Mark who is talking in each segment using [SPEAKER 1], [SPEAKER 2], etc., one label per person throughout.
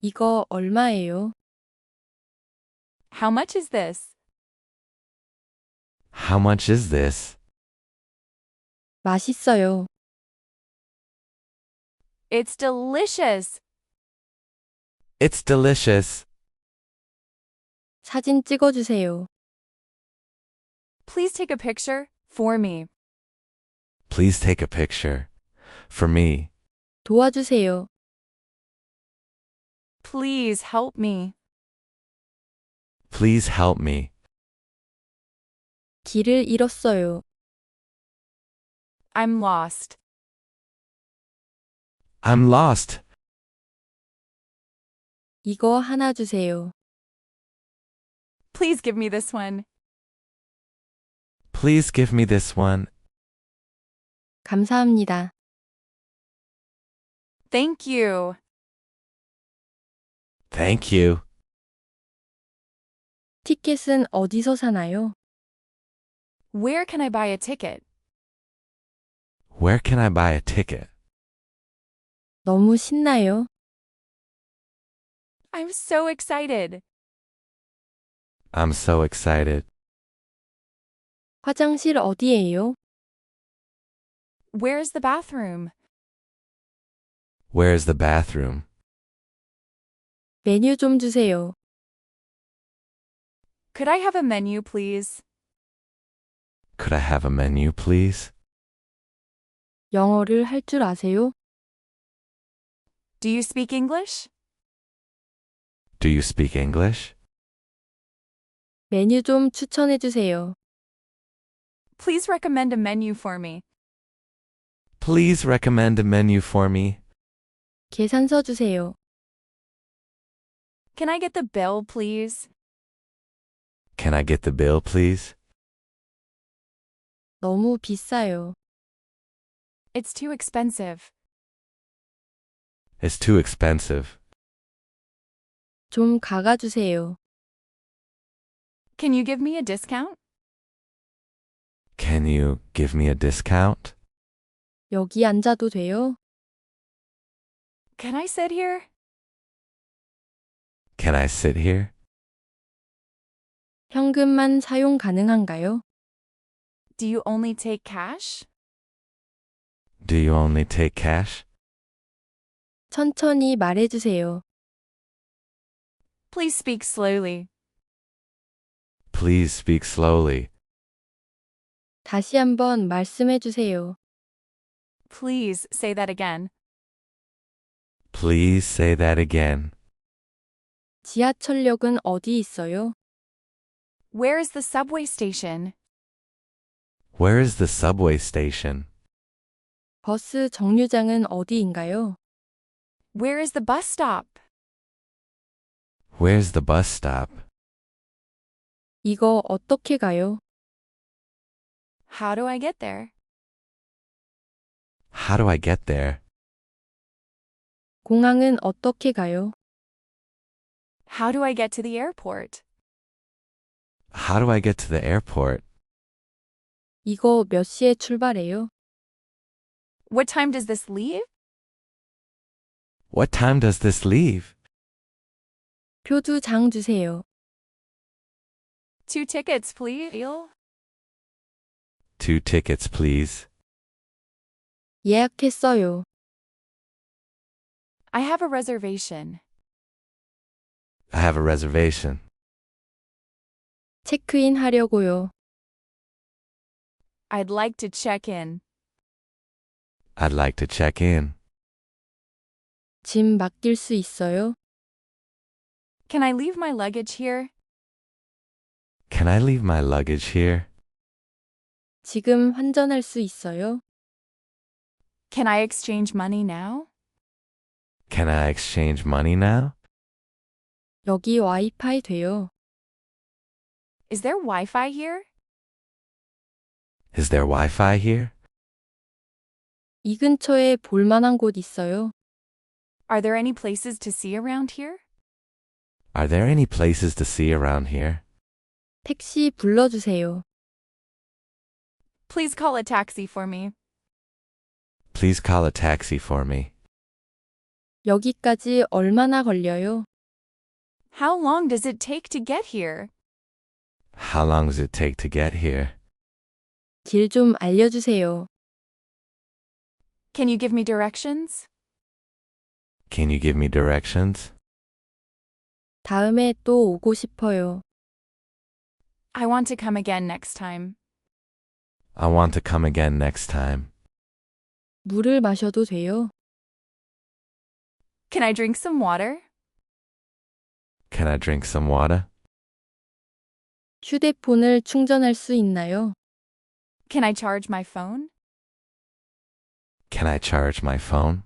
[SPEAKER 1] 이거 얼마예요?
[SPEAKER 2] How much is this?
[SPEAKER 3] How much is this?
[SPEAKER 1] 맛있어요.
[SPEAKER 2] It's delicious.
[SPEAKER 3] It's delicious.
[SPEAKER 1] 사진 찍어주세요.
[SPEAKER 2] Please take a picture for me.
[SPEAKER 3] Please take a picture. For me.
[SPEAKER 1] 도와주세요.
[SPEAKER 2] Please help me.
[SPEAKER 3] Please help me.
[SPEAKER 1] 길을 잃었어요.
[SPEAKER 2] I'm lost.
[SPEAKER 3] I'm lost.
[SPEAKER 1] 이거 하나 주세요.
[SPEAKER 2] Please give me this one.
[SPEAKER 3] Please give me this one.
[SPEAKER 1] 감사합니다.
[SPEAKER 2] Thank you.
[SPEAKER 3] Thank you.
[SPEAKER 1] 티켓은 어디서 사나요?
[SPEAKER 2] Where can I buy a ticket?
[SPEAKER 3] Where can I buy a ticket?
[SPEAKER 1] 너무 신나요.
[SPEAKER 2] I'm so excited.
[SPEAKER 3] I'm so excited.
[SPEAKER 1] 화장실 어디예요?
[SPEAKER 2] Where's the bathroom?
[SPEAKER 3] Where's the bathroom?
[SPEAKER 1] 메뉴 좀 주세요.
[SPEAKER 2] Could I have a menu, please?
[SPEAKER 3] Could I have a menu, please?
[SPEAKER 1] 영어를 할 줄 아세요?
[SPEAKER 2] Do you speak English?
[SPEAKER 3] Do you speak English?
[SPEAKER 1] 메뉴 좀 추천해 주세요.
[SPEAKER 2] Please recommend a menu for me.
[SPEAKER 3] Please recommend a menu for me.
[SPEAKER 1] 계산서 주세요.
[SPEAKER 2] Can I get the bill, please?
[SPEAKER 3] Can I get the bill, please?
[SPEAKER 1] 너무 비싸요.
[SPEAKER 2] It's too expensive.
[SPEAKER 3] It's too expensive.
[SPEAKER 1] 좀 가가 주세요.
[SPEAKER 2] Can you give me a discount?
[SPEAKER 3] Can you give me a discount?
[SPEAKER 1] 여기 앉아도 돼요?
[SPEAKER 2] Can I sit here?
[SPEAKER 3] Can I sit here?
[SPEAKER 1] 현금만 사용 가능한가요?
[SPEAKER 2] Do you only take cash?
[SPEAKER 3] Do you only take cash?
[SPEAKER 1] 천천히 말해 주세요.
[SPEAKER 2] Please speak slowly.
[SPEAKER 3] Please speak slowly.
[SPEAKER 1] 다시 한번 말씀해 주세요.
[SPEAKER 2] Please say that again.
[SPEAKER 3] Please say that again.
[SPEAKER 1] 지하철역은 어디 있어요?
[SPEAKER 2] Where is the subway station?
[SPEAKER 3] Where is the subway station?
[SPEAKER 1] 버스 정류장은 어디인가요?
[SPEAKER 2] Where is the bus stop?
[SPEAKER 3] Where's the bus stop?
[SPEAKER 1] 이거 어떻게 가요?
[SPEAKER 2] How do I get there?
[SPEAKER 3] How do I get there?
[SPEAKER 1] 공항은 어떻게 가요?
[SPEAKER 2] How do I get to the airport?
[SPEAKER 3] How do I get to the airport?
[SPEAKER 1] 이거 몇 시에 출발해요?
[SPEAKER 2] What time does this leave?
[SPEAKER 3] What time does this leave?
[SPEAKER 1] 표 두 장 주세요.
[SPEAKER 2] 2 tickets, please.
[SPEAKER 3] 2 tickets, please.
[SPEAKER 1] 예약했어요.
[SPEAKER 2] I have a reservation.
[SPEAKER 3] I have a reservation.
[SPEAKER 1] 체크인 하려고요.
[SPEAKER 2] I'd like to check in.
[SPEAKER 3] I'd like to check in.
[SPEAKER 1] 짐 맡길 수 있어요?
[SPEAKER 2] Can I leave my luggage here?
[SPEAKER 3] Can I leave my luggage here?
[SPEAKER 1] 지금 환전할 수 있어요?
[SPEAKER 2] Can I exchange money now?
[SPEAKER 3] Can I exchange money now?
[SPEAKER 1] 여기 와이파이 돼요.
[SPEAKER 2] Is there Wi-Fi here?
[SPEAKER 3] Is there Wi-Fi here?
[SPEAKER 1] 이 근처에 볼 만한 곳 있어요?
[SPEAKER 2] Are there any places to see around here?
[SPEAKER 3] Are there any places to see around here?
[SPEAKER 1] 택시 불러주세요.
[SPEAKER 2] Please call a taxi for me.
[SPEAKER 3] Please call a taxi for me.
[SPEAKER 1] 여기까지 얼마나 걸려요?
[SPEAKER 2] How long does it take to get here?
[SPEAKER 3] How long does it take to get here?
[SPEAKER 1] 길 좀 알려주세요.
[SPEAKER 2] Can you give me directions?
[SPEAKER 3] Can you give me directions?
[SPEAKER 1] 다음에 또 오고 싶어요.
[SPEAKER 2] I want to come again next time.
[SPEAKER 3] I want to come again next time.
[SPEAKER 1] 물을 마셔도 돼요?
[SPEAKER 2] Can I drink some water?
[SPEAKER 3] Can I drink some water?
[SPEAKER 1] 휴대폰을 충전할 수 있나요?
[SPEAKER 2] Can I charge my phone?
[SPEAKER 3] Can I charge my phone?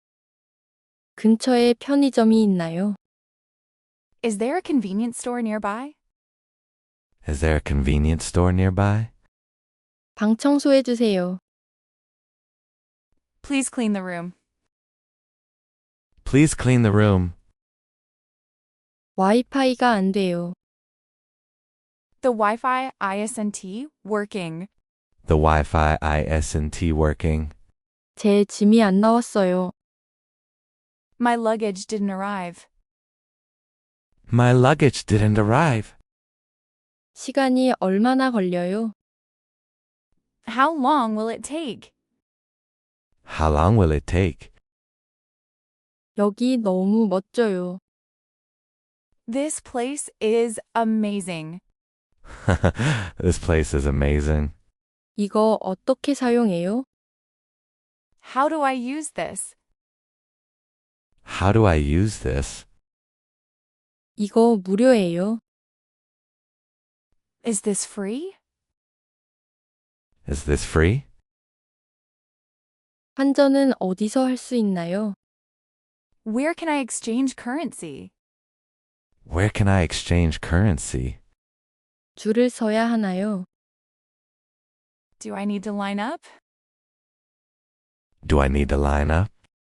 [SPEAKER 1] 근처에 편의점이 있나요?
[SPEAKER 2] Is there a convenience store nearby?
[SPEAKER 3] Is there a convenience store nearby?
[SPEAKER 1] 방 청소해 주세요.
[SPEAKER 2] Please clean the room.
[SPEAKER 3] Please clean the room.
[SPEAKER 1] 와이파이가 안 돼요.
[SPEAKER 2] The Wi-Fi isn't working.
[SPEAKER 3] The Wi-Fi isn't working.
[SPEAKER 1] 제 짐이 안 나왔어요.
[SPEAKER 2] My luggage didn't arrive.
[SPEAKER 3] My luggage didn't arrive.
[SPEAKER 1] 시간이 얼마나 걸려요?
[SPEAKER 2] How long will it take?
[SPEAKER 3] How long will it take?
[SPEAKER 1] 여기 너무 멋져요.
[SPEAKER 2] This place is amazing.
[SPEAKER 3] This place is amazing.
[SPEAKER 1] 이거 어떻게 사용해요?
[SPEAKER 2] How do I use this?
[SPEAKER 3] How do I use this?
[SPEAKER 1] 이거 무료예요.
[SPEAKER 2] Is this free?
[SPEAKER 3] Is this free?
[SPEAKER 1] 환전은 어디서 할 수 있나요?
[SPEAKER 2] Where can I exchange currency?
[SPEAKER 3] Where can I exchange currency?
[SPEAKER 1] 줄을 서야 하나요?
[SPEAKER 2] Do I need to line up?
[SPEAKER 3] Do I need to line up?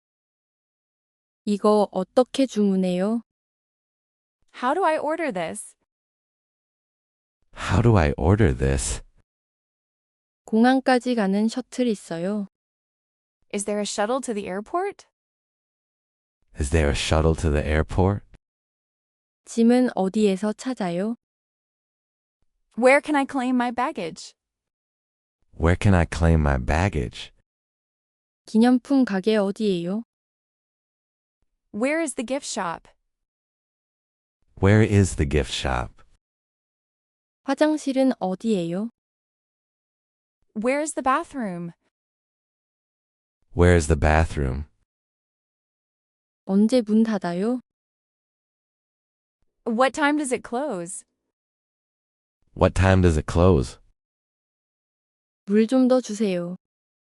[SPEAKER 1] 이거 어떻게 주문해요?
[SPEAKER 2] How do I order this?
[SPEAKER 3] How do I order this?
[SPEAKER 1] 공항까지 가는 셔틀 있어요.
[SPEAKER 2] Is there a shuttle to the airport?
[SPEAKER 3] Is there a shuttle to the airport?
[SPEAKER 1] 짐은 어디에서 찾아요?
[SPEAKER 2] Where can I claim my baggage?
[SPEAKER 3] Where can I claim my baggage?
[SPEAKER 1] 기념품 가게 어디예요?
[SPEAKER 2] Where is the gift shop?
[SPEAKER 3] Where is the gift shop?
[SPEAKER 1] 화장실은 어디예요?
[SPEAKER 2] Where is the bathroom?
[SPEAKER 3] Where is the bathroom?
[SPEAKER 1] 언제 문 닫아요?
[SPEAKER 2] What time does it close?
[SPEAKER 3] What time does it close?
[SPEAKER 1] 물 좀 더 주세요.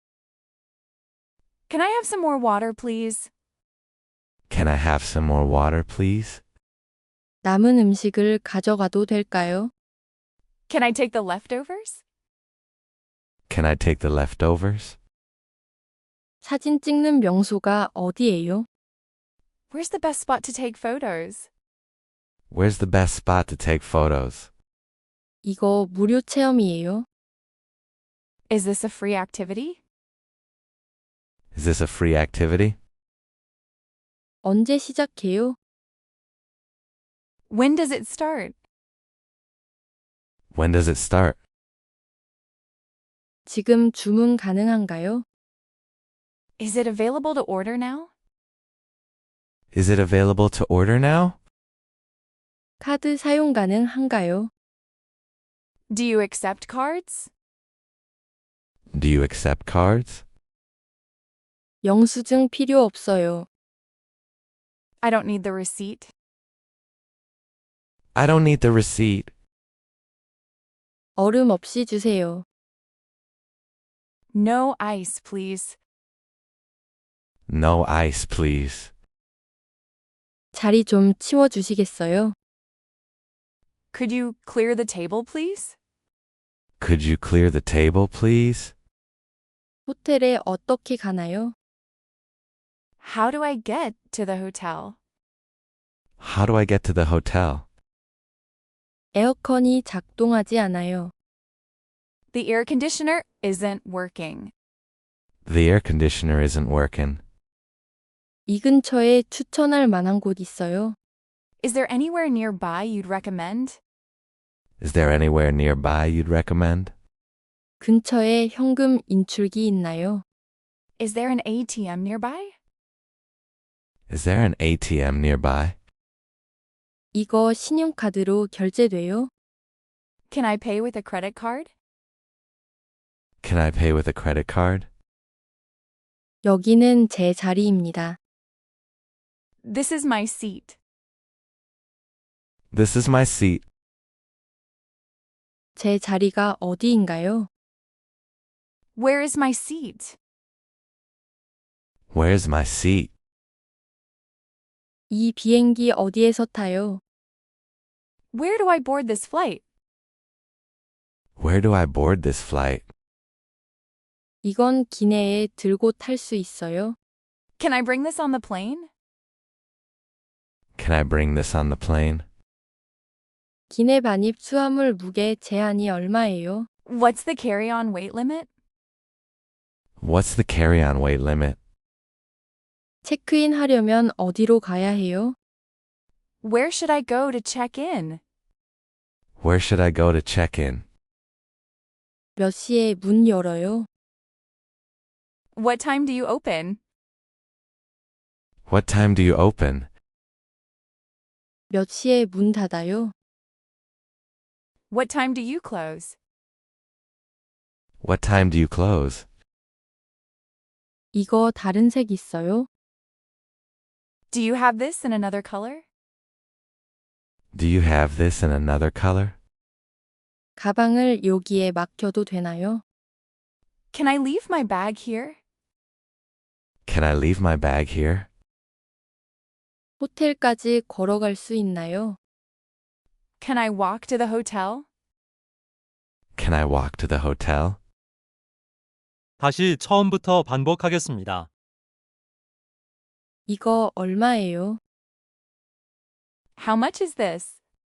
[SPEAKER 2] Can I have some more water, please?
[SPEAKER 3] Can I have some more water, please?
[SPEAKER 1] 남은 음식을 가져가도 될까요?
[SPEAKER 2] Can I take the leftovers?
[SPEAKER 3] Can I take the leftovers?
[SPEAKER 1] 사진 찍는 명소가 어디예요?
[SPEAKER 2] Where's the best spot to take photos?
[SPEAKER 3] Where's the best spot to take photos?
[SPEAKER 1] 이거 무료 체험이에요?
[SPEAKER 2] Is this a free activity?
[SPEAKER 3] Is this a free activity?
[SPEAKER 1] 언제 시작해요?
[SPEAKER 2] When does it start?
[SPEAKER 3] When does it start?
[SPEAKER 1] 지금 주문 가능한가요?
[SPEAKER 2] Is it available to order now?
[SPEAKER 3] Is it available to order now?
[SPEAKER 1] 카드 사용 가능한가요?
[SPEAKER 2] Do you accept cards?
[SPEAKER 3] Do you accept cards?
[SPEAKER 1] 영수증 필요 없어요.
[SPEAKER 2] I don't need the receipt.
[SPEAKER 3] I don't need the receipt.
[SPEAKER 1] 얼음 없이 주세요.
[SPEAKER 2] No ice, please.
[SPEAKER 3] No ice, please.
[SPEAKER 1] 자리 좀 치워주시겠어요?
[SPEAKER 2] Could you clear the table, please?
[SPEAKER 3] Could you clear the table, please?
[SPEAKER 1] 호텔에 어떻게 가나요?
[SPEAKER 2] How do I get to the hotel?
[SPEAKER 3] How do I get to the hotel?
[SPEAKER 1] 에어컨이 작동하지 않아요.
[SPEAKER 2] The air conditioner isn't working.
[SPEAKER 3] The air conditioner isn't working.
[SPEAKER 1] 이 근처에 추천할 만한 곳 있어요?
[SPEAKER 2] Is there anywhere nearby you'd recommend?
[SPEAKER 3] Is there anywhere nearby you'd recommend?
[SPEAKER 1] 근처에 현금 인출기 있나요?
[SPEAKER 2] Is there an ATM nearby?
[SPEAKER 3] Is there an ATM nearby?
[SPEAKER 1] 이거 신용카드로 결제돼요?
[SPEAKER 2] Can I pay with a credit card?
[SPEAKER 3] Can I pay with a credit card?
[SPEAKER 1] 여기는 제 자리입니다.
[SPEAKER 2] This is my seat.
[SPEAKER 3] This is my seat.
[SPEAKER 1] 제 자리가 어디인가요?
[SPEAKER 2] Where is my seat?
[SPEAKER 3] Where's my seat?
[SPEAKER 1] 이 비행기 어디에서 타요?
[SPEAKER 2] Where do I board this flight?
[SPEAKER 3] Where do I board this flight?
[SPEAKER 1] 이건 기내에 들고 탈 수 있어요?
[SPEAKER 2] Can I bring this on the plane?
[SPEAKER 3] Can I bring this on the plane?
[SPEAKER 1] 기내 반입 수화물 무게 제한이 얼마예요?
[SPEAKER 2] What's the carry-on weight limit?
[SPEAKER 3] What's the carry-on weight limit?
[SPEAKER 1] 체크인 하려면 어디로 가야 해요?
[SPEAKER 2] Where should I go to check in?
[SPEAKER 3] Where should I go to check in?
[SPEAKER 1] 몇 시에 문 열어요?
[SPEAKER 2] What time do you open?
[SPEAKER 3] What time do you open?
[SPEAKER 1] 몇 시에 문 닫아요?
[SPEAKER 2] What time do you close?
[SPEAKER 3] What time do you close?
[SPEAKER 1] 이거 다른 색 있어요?
[SPEAKER 2] Do you have this in another color?
[SPEAKER 3] Do you have this in another color?
[SPEAKER 1] 가방을 여기에 맡겨도 되나요?
[SPEAKER 2] Can I leave my bag here?
[SPEAKER 3] Can I leave my bag here?
[SPEAKER 1] 호텔까지 걸어갈 수 있나요?
[SPEAKER 2] Can I walk to the hotel?
[SPEAKER 3] Can I walk to the hotel?
[SPEAKER 4] 다시 처음부터 반복하겠습니다.
[SPEAKER 1] 이거 얼마예요?
[SPEAKER 2] How much is this?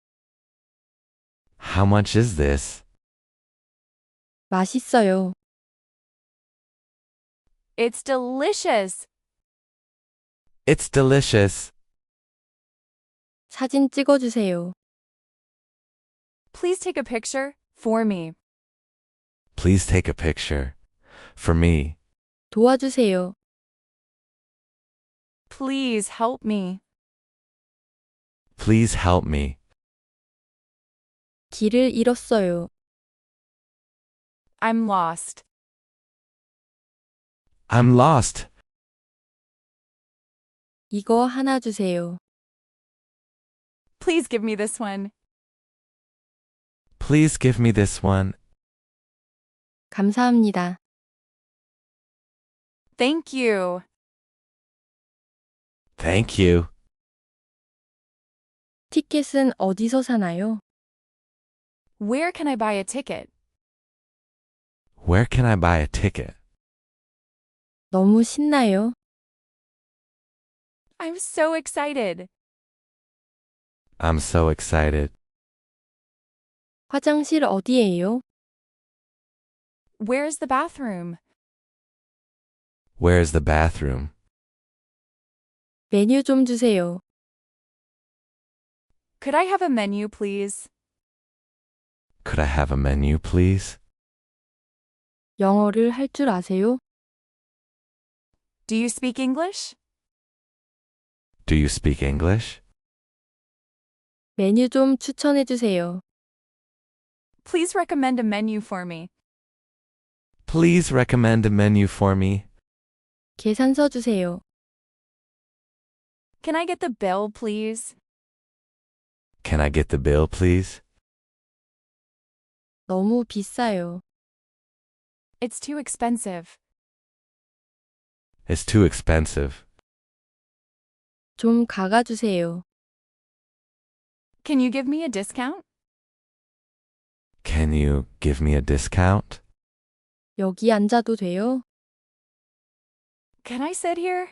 [SPEAKER 3] How much is this?
[SPEAKER 1] 맛있어요.
[SPEAKER 2] It's delicious.
[SPEAKER 3] It's delicious.
[SPEAKER 1] 사진 찍어주세요.
[SPEAKER 2] Please take a picture for me.
[SPEAKER 3] Please take a picture. For me.
[SPEAKER 1] 도와주세요.
[SPEAKER 2] Please help me.
[SPEAKER 3] Please help me.
[SPEAKER 1] 길을 잃었어요.
[SPEAKER 2] I'm lost.
[SPEAKER 3] I'm lost.
[SPEAKER 1] 이거 하나 주세요.
[SPEAKER 2] Please give me this one.
[SPEAKER 3] Please give me this one.
[SPEAKER 1] 감사합니다.
[SPEAKER 2] Thank you.
[SPEAKER 3] Thank you.
[SPEAKER 1] 티켓은 어디서 사나요?
[SPEAKER 2] Where can I buy a ticket?
[SPEAKER 3] Where can I buy a ticket?
[SPEAKER 1] 너무 신나요.
[SPEAKER 2] I'm so excited.
[SPEAKER 3] I'm so excited.
[SPEAKER 1] 화장실 어디예요?
[SPEAKER 2] Where's the bathroom?
[SPEAKER 3] Where's the bathroom?
[SPEAKER 1] 메뉴 좀 주세요.
[SPEAKER 2] Could I have a menu, please?
[SPEAKER 3] Could I have a menu, please?
[SPEAKER 1] 영어를 할 줄 아세요?
[SPEAKER 2] Do you speak English?
[SPEAKER 3] Do you speak English?
[SPEAKER 1] 메뉴 좀 추천해 주세요.
[SPEAKER 2] Please recommend a menu for me.
[SPEAKER 3] Please recommend a menu for me.
[SPEAKER 1] 계산서 주세요.
[SPEAKER 2] Can I get the bill, please?
[SPEAKER 3] Can I get the bill, please?
[SPEAKER 1] 너무 비싸요.
[SPEAKER 2] It's too expensive.
[SPEAKER 3] It's too expensive.
[SPEAKER 1] 좀 가가 주세요.
[SPEAKER 2] Can you give me a discount?
[SPEAKER 3] Can you give me a discount?
[SPEAKER 1] 여기 앉아도 돼요?
[SPEAKER 2] Can I sit here?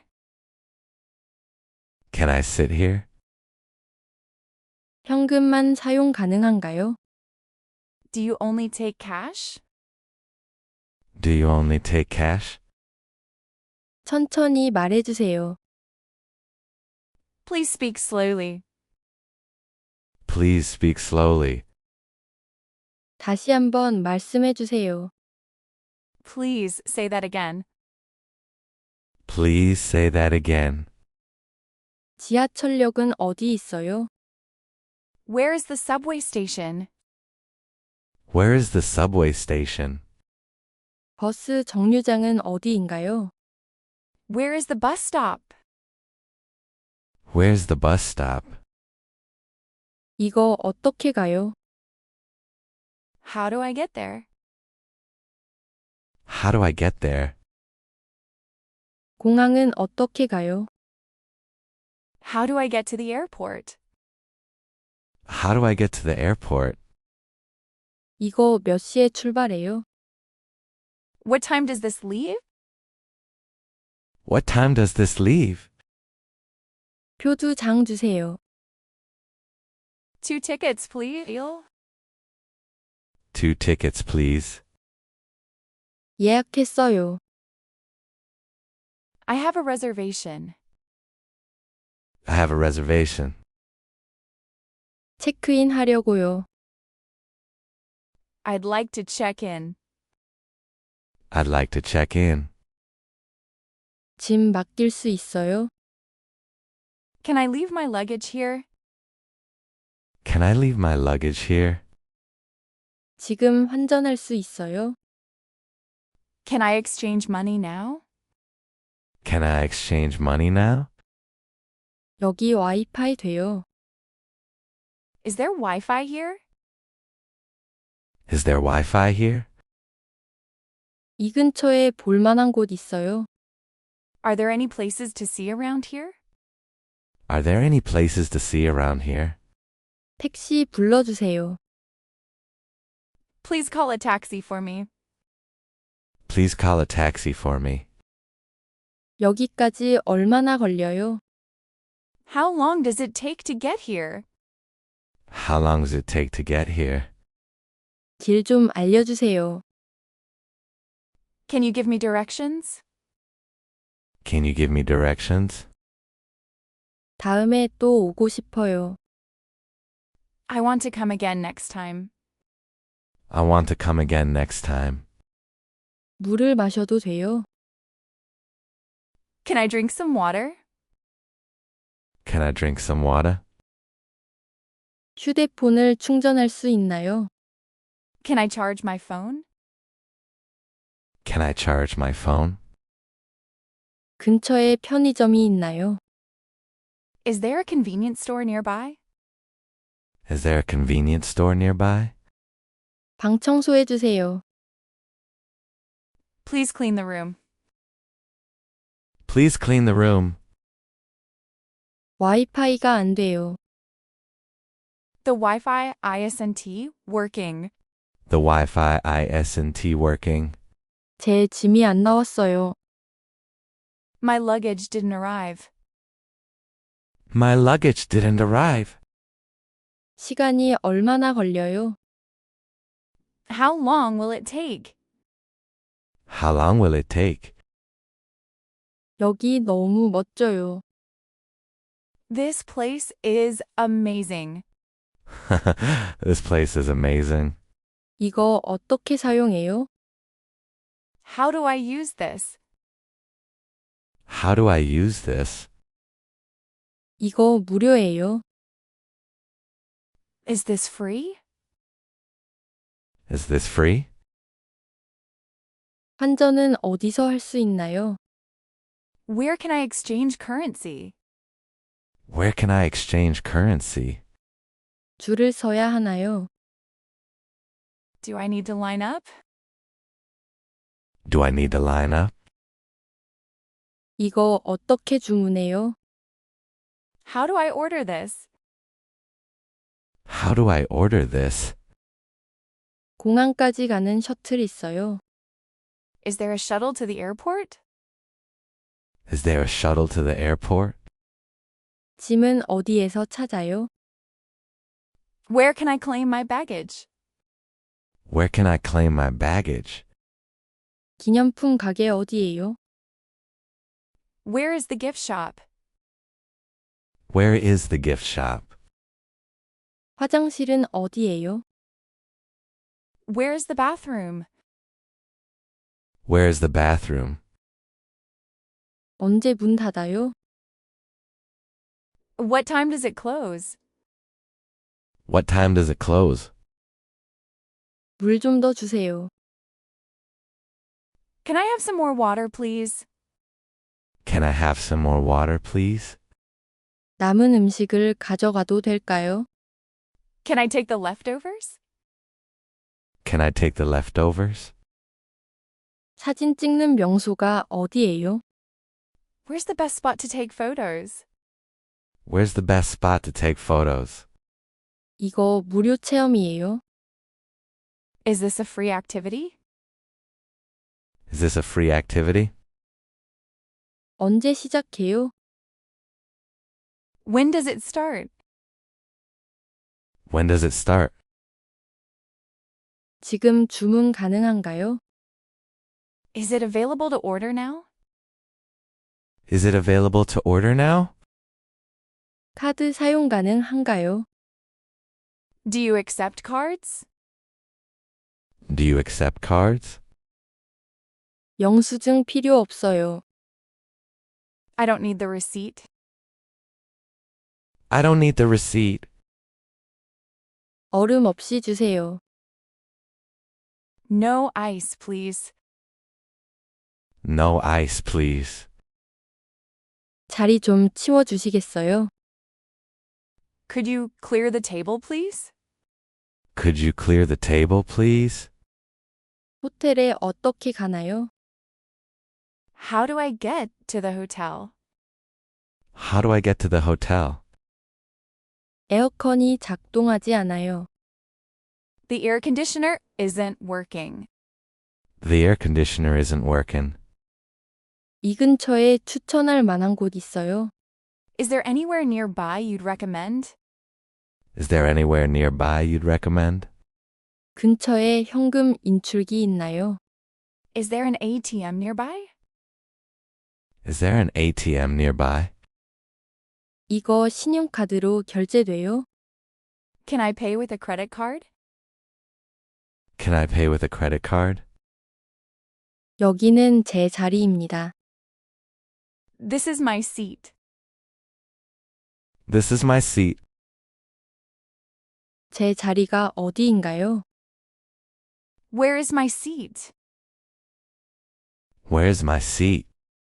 [SPEAKER 3] Can I sit here?
[SPEAKER 1] 현금만 사용 가능한가요?
[SPEAKER 2] Do you only take cash?
[SPEAKER 3] Do you only take cash?
[SPEAKER 1] 천천히 말해 주세요.
[SPEAKER 2] Please speak slowly.
[SPEAKER 3] Please speak slowly.
[SPEAKER 1] 다시 한번 말씀해 주세요.
[SPEAKER 2] Please say that again.
[SPEAKER 3] Please say that again.
[SPEAKER 1] 지하철역은 어디 있어요?
[SPEAKER 2] Where is the subway station?
[SPEAKER 3] Where is the subway station?
[SPEAKER 1] 버스 정류장은 어디인가요?
[SPEAKER 2] Where is the bus stop?
[SPEAKER 3] Where's the bus stop?
[SPEAKER 1] 이거 어떻게 가요?
[SPEAKER 2] How do I get there?
[SPEAKER 3] How do I get there?
[SPEAKER 1] 공항은 어떻게 가요?
[SPEAKER 2] How do I get to the airport?
[SPEAKER 3] How do I get to the airport?
[SPEAKER 1] 이거 몇 시에 출발해요?
[SPEAKER 2] What time does this leave?
[SPEAKER 3] What time does this leave?
[SPEAKER 1] 표 두 장 주세요.
[SPEAKER 2] 2 tickets, please.
[SPEAKER 3] 2 tickets, please.
[SPEAKER 1] 예약했어요.
[SPEAKER 2] I have a reservation.
[SPEAKER 3] I have a reservation.
[SPEAKER 1] 체크인 하려고요.
[SPEAKER 2] I'd like to check in.
[SPEAKER 3] I'd like to check in.
[SPEAKER 1] 짐 맡길 수 있어요?
[SPEAKER 2] Can I leave my luggage here?
[SPEAKER 3] Can I leave my luggage here?
[SPEAKER 1] 지금 환전할 수 있어요?
[SPEAKER 2] Can I exchange money now?
[SPEAKER 3] Can I exchange money now?
[SPEAKER 1] 여기 와이파이 돼요.
[SPEAKER 2] Is there Wi-Fi here?
[SPEAKER 3] Is there Wi-Fi here?
[SPEAKER 1] 이 근처에 볼 만한 곳 있어요?
[SPEAKER 2] Are there any places to see around here?
[SPEAKER 3] Are there any places to see around here?
[SPEAKER 1] 택시 불러주세요.
[SPEAKER 2] Please call a taxi for me.
[SPEAKER 3] Please call a taxi for me.
[SPEAKER 1] 여기까지 얼마나 걸려요?
[SPEAKER 2] How long does it take to get here?
[SPEAKER 3] How long does it take to get here?
[SPEAKER 1] 길 좀 알려주세요.
[SPEAKER 2] Can you give me directions?
[SPEAKER 3] Can you give me directions?
[SPEAKER 1] 다음에 또 오고 싶어요.
[SPEAKER 2] I want to come again next time.
[SPEAKER 3] I want to come again next time.
[SPEAKER 1] 물을 마셔도 돼요?
[SPEAKER 2] Can I drink some water?
[SPEAKER 3] Can I drink some water?
[SPEAKER 1] 휴대폰을 충전할 수 있나요?
[SPEAKER 2] Can I charge my phone?
[SPEAKER 3] Can I charge my phone?
[SPEAKER 1] 근처에 편의점이 있나요?
[SPEAKER 2] Is there a convenience store nearby?
[SPEAKER 3] Is there a convenience store nearby?
[SPEAKER 1] 방 청소해 주세요.
[SPEAKER 2] Please clean the room.
[SPEAKER 3] Please clean the room.
[SPEAKER 1] 와이파이가 안 돼요.
[SPEAKER 2] The Wi-Fi isn't working.
[SPEAKER 3] The Wi-Fi isn't working.
[SPEAKER 1] 제 짐이 안 나왔어요.
[SPEAKER 2] My luggage didn't arrive.
[SPEAKER 3] My luggage didn't arrive.
[SPEAKER 1] 시간이 얼마나 걸려요?
[SPEAKER 2] How long will it take?
[SPEAKER 3] How long will it take?
[SPEAKER 1] 여기 너무 멋져요.
[SPEAKER 2] This place is amazing.
[SPEAKER 3] This place is amazing.
[SPEAKER 1] 이거 어떻게 사용해요?
[SPEAKER 2] How do I use this?
[SPEAKER 3] How do I use this?
[SPEAKER 1] 이거 무료예요.
[SPEAKER 2] Is this free?
[SPEAKER 3] Is this free?
[SPEAKER 1] 환전은 어디서 할 수 있나요?
[SPEAKER 2] Where can I exchange currency?
[SPEAKER 3] Where can I exchange currency?
[SPEAKER 1] 줄을 서야 하나요?
[SPEAKER 2] Do I need to line up?
[SPEAKER 3] Do I need to line up?
[SPEAKER 1] 이거 어떻게 주문해요?
[SPEAKER 2] How do I order this?
[SPEAKER 3] How do I order this?
[SPEAKER 1] 공항까지 가는 셔틀 있어요.
[SPEAKER 2] Is there a shuttle to the airport?
[SPEAKER 3] Is there a shuttle to the airport?
[SPEAKER 1] 짐은 어디에서 찾아요?
[SPEAKER 2] Where can I claim my baggage?
[SPEAKER 3] Where can I claim my baggage?
[SPEAKER 1] 기념품 가게 어디예요?
[SPEAKER 2] Where is the gift shop?
[SPEAKER 3] Where is the gift shop?
[SPEAKER 1] 화장실은 어디예요?
[SPEAKER 2] Where's the bathroom?
[SPEAKER 3] Where is the bathroom?
[SPEAKER 1] 언제 문 닫아요?
[SPEAKER 2] What time does it close?
[SPEAKER 3] What time does it close?
[SPEAKER 1] 물 좀 더 주세요.
[SPEAKER 2] Can I have some more water, please?
[SPEAKER 3] Can I have some more water, please?
[SPEAKER 1] 남은 음식을 가져가도 될까요?
[SPEAKER 2] Can I take the leftovers?
[SPEAKER 3] Can I take the leftovers?
[SPEAKER 1] 사진 찍는 명소가 어디예요?
[SPEAKER 2] Where's the best spot to take photos?
[SPEAKER 3] Where's the best spot to take photos?
[SPEAKER 1] 이거 무료 체험이에요.
[SPEAKER 2] Is this a free activity?
[SPEAKER 3] Is this a free activity?
[SPEAKER 1] 언제 시작해요?
[SPEAKER 2] When does it start?
[SPEAKER 3] When does it start?
[SPEAKER 1] 지금 주문 가능한가요?
[SPEAKER 2] Is it available to order now?
[SPEAKER 3] Is it available to order now?
[SPEAKER 1] 카드 사용 가능한가요?
[SPEAKER 2] Do you accept cards?
[SPEAKER 3] Do you accept cards?
[SPEAKER 1] 영수증 필요 없어요.
[SPEAKER 2] I don't need the receipt.
[SPEAKER 3] I don't need the receipt.
[SPEAKER 1] 얼음 없이 주세요.
[SPEAKER 2] No ice, please.
[SPEAKER 3] No ice, please.
[SPEAKER 1] 자리 좀 치워주시겠어요?
[SPEAKER 2] Could you clear the table, please?
[SPEAKER 3] Could you clear the table, please?
[SPEAKER 1] 호텔에 어떻게 가나요?
[SPEAKER 2] How do I get to the hotel?
[SPEAKER 3] How do I get to the hotel?
[SPEAKER 1] 에어컨이 작동하지 않아요.
[SPEAKER 2] The air conditioner isn't working.
[SPEAKER 3] The air conditioner isn't working.
[SPEAKER 1] 이 근처에 추천할 만한 곳 있어요?
[SPEAKER 2] Is there anywhere nearby you'd recommend?
[SPEAKER 3] Is there anywhere nearby you'd recommend?
[SPEAKER 1] 근처에 현금 인출기 있나요?
[SPEAKER 2] Is there an ATM nearby?
[SPEAKER 3] Is there an ATM nearby?
[SPEAKER 1] 이거 신용카드로 결제돼요?
[SPEAKER 2] Can I pay with a credit card?
[SPEAKER 3] Can I pay with a credit card?
[SPEAKER 1] 여기는 제 자리입니다.
[SPEAKER 2] This is my seat.
[SPEAKER 3] This is my seat.
[SPEAKER 1] 제 자리가 어디인가요?
[SPEAKER 2] Where is my seat?
[SPEAKER 3] Where's my seat?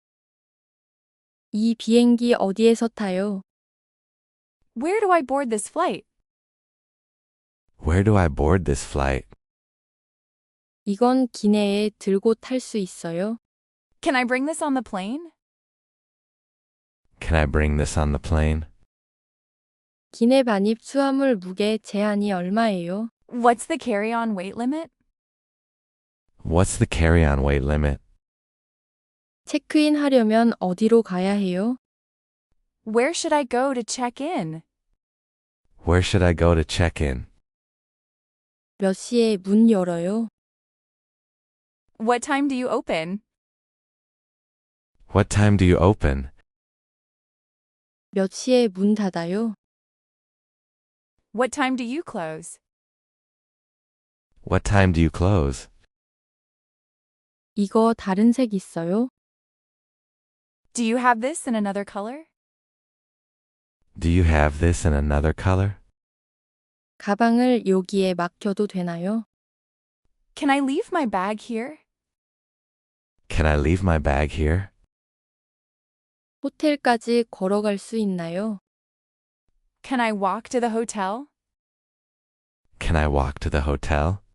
[SPEAKER 1] 이 비행기 어디에서 타요?
[SPEAKER 2] Where do I board this flight?
[SPEAKER 3] Where do I board this flight?
[SPEAKER 1] 이건 기내에 들고 탈 수 있어요?
[SPEAKER 2] Can I bring this on the plane?
[SPEAKER 3] Can I bring this on the plane?
[SPEAKER 1] 기내 반입 수화물 무게 제한이 얼마예요?
[SPEAKER 2] What's the carry-on weight limit?
[SPEAKER 3] What's the carry-on weight limit?
[SPEAKER 1] 체크인 하려면 어디로 가야 해요?
[SPEAKER 2] Where should I go to check in?
[SPEAKER 3] Where should I go to check in?
[SPEAKER 1] 몇 시에 문 열어요?
[SPEAKER 2] What time do you open?
[SPEAKER 3] What time do you open?
[SPEAKER 1] 몇 시에 문 닫아요?
[SPEAKER 2] What time do you close?
[SPEAKER 3] What time do you close?
[SPEAKER 1] 이거 다른 색 있어요?
[SPEAKER 2] Do you have this in another color?
[SPEAKER 3] Do you have this in another color?
[SPEAKER 1] 가방을 여기에 맡겨도 되나요?
[SPEAKER 2] Can I leave my bag here?
[SPEAKER 3] Can I leave my bag here?
[SPEAKER 1] 호텔까지 걸어갈 수 있나요?
[SPEAKER 2] Can I walk to the hotel?
[SPEAKER 3] Can I walk to the hotel?